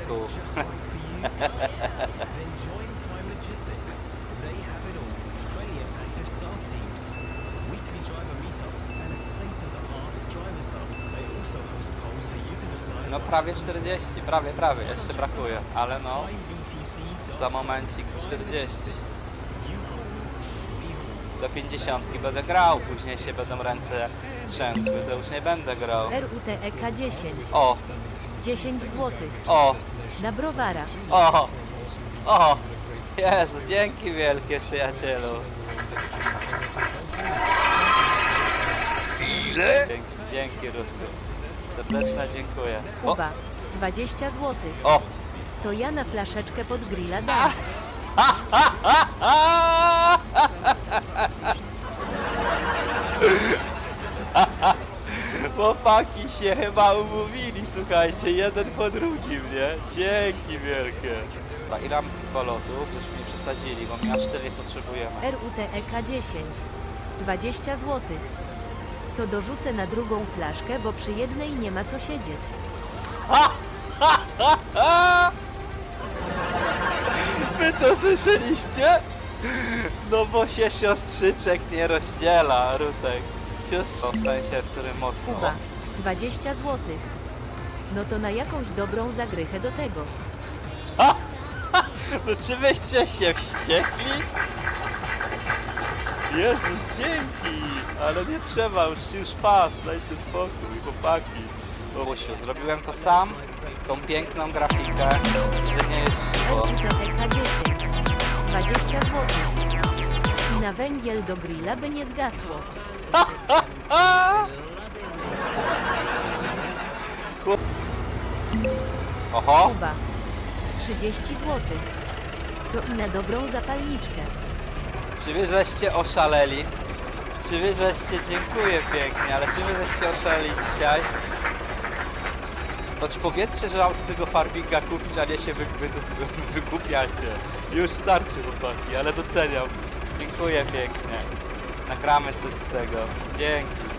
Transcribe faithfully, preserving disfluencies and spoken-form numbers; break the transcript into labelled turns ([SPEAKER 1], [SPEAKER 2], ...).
[SPEAKER 1] kół. No prawie czterdzieści, prawie, prawie, jeszcze brakuje, ale no za momencik czterdzieści. Do pięćdziesiątki będę grał, później się będą ręce trzęsły, to już nie będę grał.
[SPEAKER 2] R U T E K dziesięć.
[SPEAKER 1] O,
[SPEAKER 2] dziesięć złotych.
[SPEAKER 1] o,
[SPEAKER 2] Na browara.
[SPEAKER 1] o, o, Jezu, dzięki wielkie przyjacielu.
[SPEAKER 3] Ile?
[SPEAKER 1] Dzięki, dzięki Rutku. Serdeczne dziękuję. O,
[SPEAKER 2] Kuba. dwadzieścia złotych.
[SPEAKER 1] o.
[SPEAKER 2] To ja na flaszeczkę pod grilla dam.
[SPEAKER 1] Chłopaki się chyba umówili, słuchajcie, jeden po drugim, nie? Dzięki wielkie. Dobra, ile mam tych balotów? Już mi przesadzili, bo my aż cztery potrzebujemy.
[SPEAKER 2] R U T E K dziesięć. dwadzieścia złotych. To dorzucę na drugą flaszkę, bo przy jednej nie ma co siedzieć.
[SPEAKER 1] Wy to słyszeliście? No bo się siostrzyczek nie rozdziela, Rutek. Siostro, w sensie, z którym mocno.
[SPEAKER 2] Kuba. dwadzieścia złotych. No to na jakąś dobrą zagrechę do tego.
[SPEAKER 1] No czy wyście się wściekli? Jezus, dzięki! Ale nie trzeba, już, już pas, dajcie spokój, chłopaki. Bobusiu, zrobiłem to sam, tą piękną grafikę, że nie jest
[SPEAKER 2] R
[SPEAKER 1] siło.
[SPEAKER 2] U T E K dziesięć. dwadzieścia złotych. I na węgiel do grilla by nie zgasło.
[SPEAKER 1] Oho,
[SPEAKER 2] Kuba. trzydzieści złotych. To i na dobrą zapalniczkę.
[SPEAKER 1] czy wy żeście oszaleli? Czy wy żeście, dziękuję pięknie, ale czy wy żeście oszaleli dzisiaj? To czy powiedzcie, że mam z tego farminga kupić, a nie się wy, wy, wy, wykupiacie. Już starczy chłopaki, ale doceniam. Dziękuję pięknie. Nagramy coś z tego. Dzięki.